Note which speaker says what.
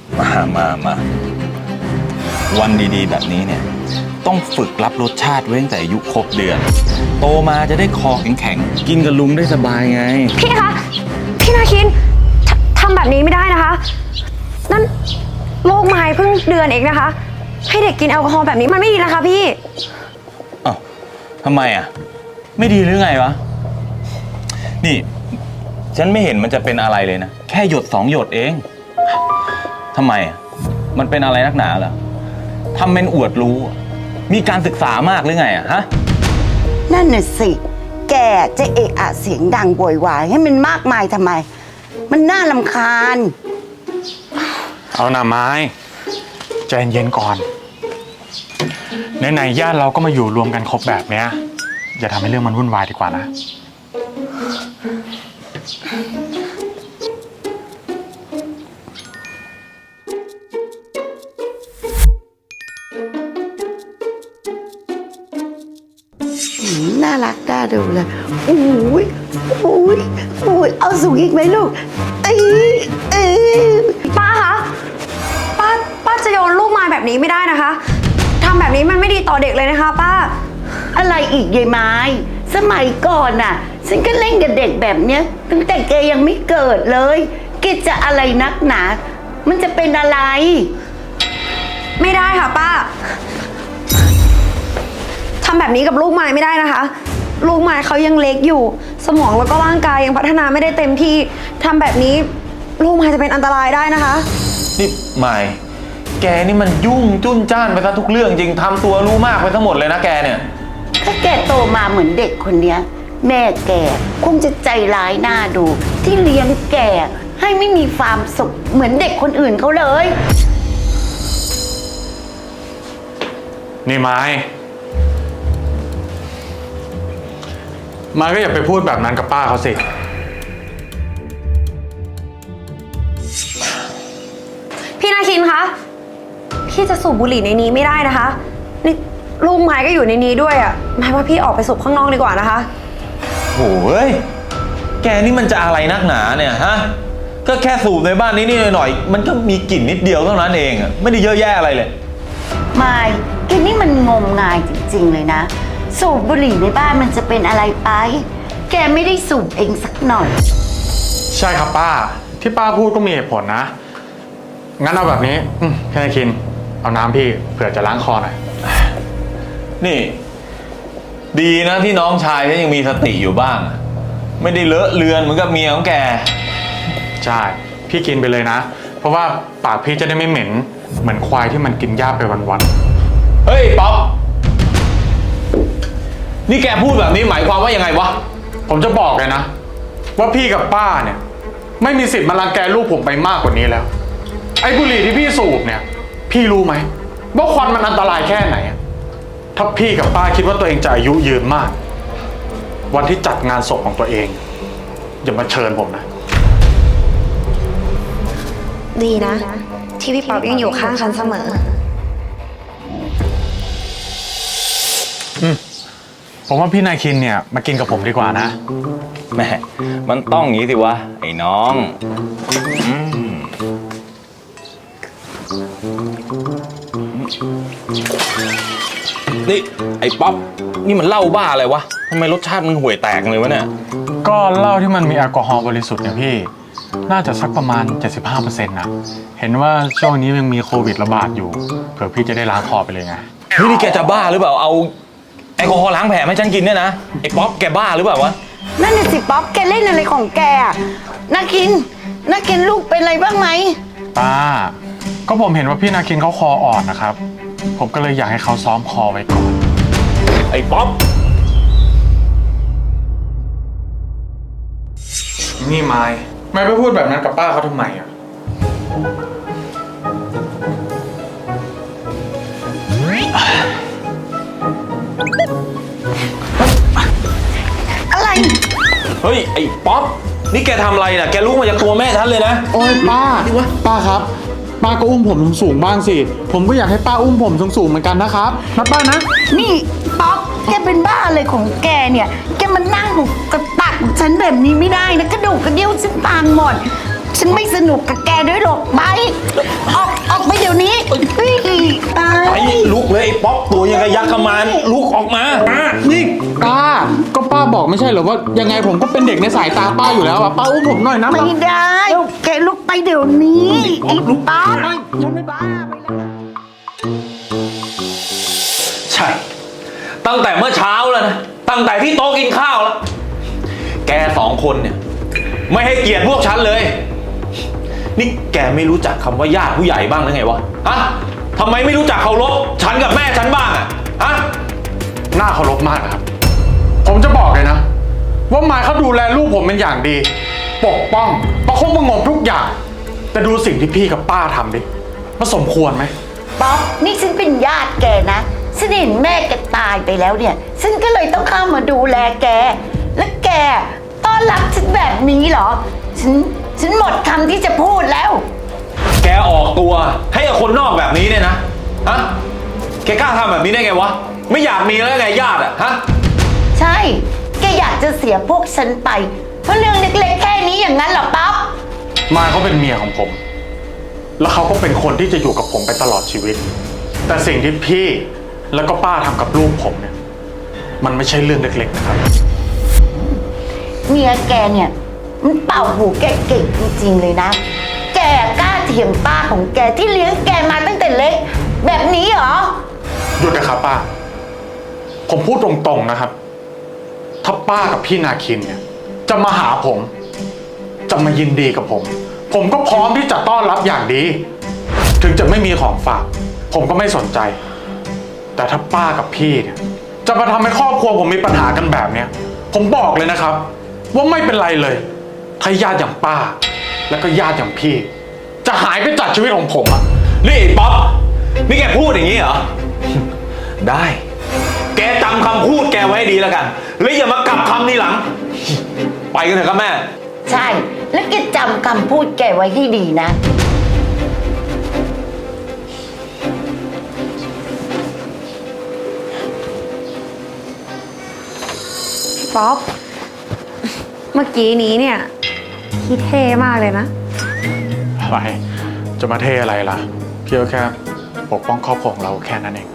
Speaker 1: มาวันดีๆแบบนี้เนี่ยต้องฝึกรับรสชาติไว้ตั้งแต่อายุครบเดือนโตมาจะได้คอแข็งๆกินกับลุงได้สบายไง
Speaker 2: พี่คะพี่นาคินทำแบบนี้ไม่ได้นะคะนั่นลูกไม้เพิ่งเดือนเองนะคะให้เด็กกินแอลกอฮอล์แบบนี้มันไม่ดีนะคะพี่
Speaker 1: อ้าวทำไมอ่ะไม่ดีหรือไงวะนี่ฉันไม่เห็นมันจะเป็นอะไรเลยนะแค่หยด2 หยดเองทำไมอ่ะมันเป็นอะไรนักหนาเหรอทำเป็นอวดรู้มีการศึกษามากหรือไงอ่ะฮะ
Speaker 3: นั่นน่ะสิแกจะเอะอะเสียงดังโวยวายให้มันมากมายทำไมมันน่ารำคาญ
Speaker 4: เอาหน่าไม้ใจเย็นก่อนไหนๆญาติเราก็มาอยู่รวมกันครบแบบเนี้ยอย่าทำให้เรื่องมันวุ่นวายดีกว่านะ
Speaker 3: น่ารักน่าดูเลยอุ้ยเอาสูงอีกไหมลูก
Speaker 2: ป้าคะป้าจะโยนลูกไม้แบบนี้ไม่ได้นะคะทำแบบนี้มันไม่ดีต่อเด็กเลยนะคะป้า
Speaker 3: อะไรอีกยายไม้สมัยก่อนน่ะฉันก็เล่นกับเด็กแบบเนี้ยตั้งแต่แกยังไม่เกิดเลยแกจะอะไรนักหนามันจะเป็นอะไร
Speaker 2: ไม่ได้ค่ะป้าทำแบบนี้กับลูกไม้ไม่ได้นะคะลูกไม้เขายังเล็กอยู่สมองแล้วก็ร่างกายยังพัฒนาไม่ได้เต็มที่ทำแบบนี้ลูกไม้จะเป็นอันตรายได้นะคะ
Speaker 1: นี่ไม่แกนี่มันยุ่งจุ้นจ้านไปซะทุกเรื่องจริงทำตัวรู้มากไปทั้งหมดเลยนะแกเนี่ย
Speaker 3: ถ้าแกโตมาเหมือนเด็กคนเนี้ยแม่แกคงจะใจร้ายหน้าดูที่เลี้ยงแกให้ไม่มีความสุขเหมือนเด็กคนอื่นเขาเลย
Speaker 4: นี่ไม้ก็อย่าไปพูดแบบนั้นกับป้าเขาสิ
Speaker 2: พี่นาคินคะพี่จะสูบบุหรี่ในนี้ไม่ได้นะคะนี่ลูกไม้ก็อยู่ในนี้ด้วยอ่ะหมายว่าพี่ออกไปสูบข้างนอกดีกว่านะคะ
Speaker 1: โอ้ยแกนี่มันจะอะไรนักหนาเนี่ยฮะก็แค่สูบในบ้านนี้หน่อยมันก็มีกลิ่นนิดเดียวเท่านั้นเองอ่ะไม่ได้เยอะแยะอะไรเลย
Speaker 3: ไม่แกนี่มันงมงายจริงๆเลยนะสูบบุหรี่ในบ้านมันจะเป็นอะไรไปแกไม่ได้สูบเองสักหน่อย
Speaker 4: ใช่ครับป้าที่ป้าพูดก็มีเหตุผลนะงั้นเอาแบบนี้พี่นายคินเอาน้ำพี่เผื่อจะล้างคอหน่อย
Speaker 1: นี่ดีนะที่น้องชายฉันยังมีสติอยู่บ้างไม่ได้เลอะเลือนเหมือนกับเมียของแก
Speaker 4: ใช่พี่กินไปเลยนะเพราะว่าปากพี่จะได้ไม่เหม็นเหมือนควายที่มันกินหญ้าไปวัน
Speaker 1: ๆเฮ้ยป๊อปนี่แกพูดแบบนี้หมายความว่ายังไงวะ
Speaker 4: ผมจะบอกเลยนะว่าพี่กับป้าเนี่ยไม่มีสิทธิ์มารังแกลูกผมไปมากกว่านี้แล้วไอ้บุหรี่ที่พี่สูบเนี่ยพี่รู้ไหมว่าควันมันอันตรายแค่ไหนถ้าพี่กับป้าคิดว่าตัวเองจะอายุยืนมากวันที่จัดงานศพของตัวเองอย่ามาเชิญผมนะ
Speaker 2: ดีนะที่พี่ป๊อปยังอยู่ข้างฉันเสมอ
Speaker 4: ผมว่าพี่นายคินเนี่ยมากินกับผมดีกว่านะ
Speaker 1: แม่มันต้องอย่างนี้สิวะไอ้น้องนี่ไอ้ป๊อปนี่มันเหล้าบ้าอะไรวะทำไมรสชาติมันห่วยแตกเลยวะเนี่ย
Speaker 4: ก็เหล้าที่มันมีแอลกอฮอล์บริสุทธิ์เนี่ยพี่น่าจะสักประมาณ 75% นะเห็นว่าช่วงนี้ยังมีโควิดระบาดอยู่เผื่อพี่จะได้ล้างคอไปเลยไง
Speaker 1: นี่แกจะบ้าหรือเปล่าเอาแอลกอฮอล์ล้างแผลให้ฉันกินเนี่ยนะไอ้ป๊อปแกบ้าหรือเปล่าวะ
Speaker 3: นั่นน่ะสิป๊อปแกเล่นอะไรของแกนาคินลูกเป็นอะไรบ้างไหม
Speaker 4: ป้าก็ผมเห็นว่าพี่นาคินเขาคออ่อนนะครับผมก็เลยอยากให้เขาซ้อมคอไว้ก่อน
Speaker 1: ไอ้ป๊อป
Speaker 4: นี่ไม่ไปพูดแบบนั้นกับป้าเขาทำไมอ่ะ
Speaker 3: อะไร
Speaker 1: เฮ้ยไอ้ป๊อปนี่แกทำอะไรน่ะแกลุกมาจากตัวแม่ฉันเลยนะ
Speaker 4: โอ๊ยป้าครับป้าก็อุ้มผมสูงบ้างสิผมก็อยากให้ป้าอุ้มผมสูงเหมือนกันนะครับนะป้านะ
Speaker 3: นี่ป๊อปแกเป็นบ้าอะไรของแกเนี่ยแกมานั่งหุบกระตักฉันแบบนี้ไม่ได้นะกระดูกกระเดี่ยวฉันตางหมดฉันไม่สนุกกับแกด้วยหรอกไปอ
Speaker 1: ก็ยักขมานลุกออกมา
Speaker 4: นี่ป้าก็ป้าบอกไม่ใช่เหรอว่ายังไงผมก็เป็นเด็กในสายตาป้าอยู่แล้วอะป้าอุ้มผมหน่อยนะ
Speaker 3: ไม่ได้ แกลุกไปเดี๋ยวนี้ไอ้ป้า
Speaker 1: ใช่ ตั้งแต่เมื่อเช้าแล้วนะ ตั้งแต่ที่โต๊ะกินข้าวแล้ว แกสองคนเนี่ย ไม่ให้เกียรติพวกฉันเลย นี่แกไม่รู้จักคำว่าญาติผู้ใหญ่บ้างหรือไงวะ ฮะทำไมไม่รู้จักเคารพฉันกับแม่ฉันบ้างอะฮะ
Speaker 4: น่าเคารพมากนะครับ ผมจะบอกเลยนะ ว่ามายเขาดูแลลูกผมเป็นอย่างดี ปกป้องประคบประหงมทุกอย่าง แต่ดูสิ่งที่พี่กับป้าทำดิมันสมควรไหม
Speaker 3: ป๊อปนี่ฉันเป็นญาติแกนะฉันเห็นแม่แกตายไปแล้วเนี่ยฉันก็เลยต้องเข้ามาดูแลแก และแกต้อนรับฉันแบบนี้เหรอ ฉันหมดคำที่จะพูดแล้ว
Speaker 1: แกออกตัวให้กับคนนอกแบบนี้เนี่ยนะ ฮะ แกกล้าทำแบบนี้ได้ไงวะ ไม่อยากมีแล้วไงญาติอะฮะ
Speaker 3: ใช่ แกอยากจะเสียพวกฉันไป เพราะเรื่องเล็กๆแค่นี้อย่างนั้นเหรอป๊อป
Speaker 4: มายเขาเป็นเมียของผม แล้วเขาก็เป็นคนที่จะอยู่กับผมไปตลอดชีวิต แต่สิ่งที่พี่แล้วก็ป้าทำกับลูกผมเนี่ย มันไม่ใช่เรื่องเล็กๆนะครับ
Speaker 3: เมียแกเนี่ยมันเป่าหูแกเก่งจริงๆเลยนะ แกกล้าเถียงป้าของแกที่เลี้ยงแกมาตั้งแต่เล็ก แบบนี้เหรอ
Speaker 4: หยุดนะครับป้า ผมพูดตรงๆนะครับ ถ้าป้ากับพี่นาคินเนี่ย จะมาหาผม จะมายินดีกับผม ผมก็พร้อมที่จะต้อนรับอย่างดี ถึงจะไม่มีของฝาก ผมก็ไม่สนใจ แต่ถ้าป้ากับพี่เนี่ยจะมาทำให้ครอบครัวผมมีปัญหากันแบบเนี้ย ผมบอกเลยนะครับ ว่าไม่เป็นไรเลยถ้าญาติอย่างป้า แล้วก็ญาติอย่างพี่ จะหายไปจากชีวิตของผมอะ
Speaker 1: นี่ไอ้ป๊อป นี่แกพูดอย่างนี้เหรอ ได้ แกจำคำพูดแกไว้ให้ดีแล้วกัน แล้วอย่ามากลับคำทีหลัง ไปกันเถอะครับแม่
Speaker 3: ใช่ แล้วแกจำคำพูดแกไว้ให้ดีนะ
Speaker 2: ป๊อป เมื่อกี้นี้เนี่ยคิดเท่มากเลยนะ
Speaker 4: อะไร จะมาเทอะไรล่ะ พี่ก็แค่ปกป้องครอบครัวของเราแค่นั้นเอง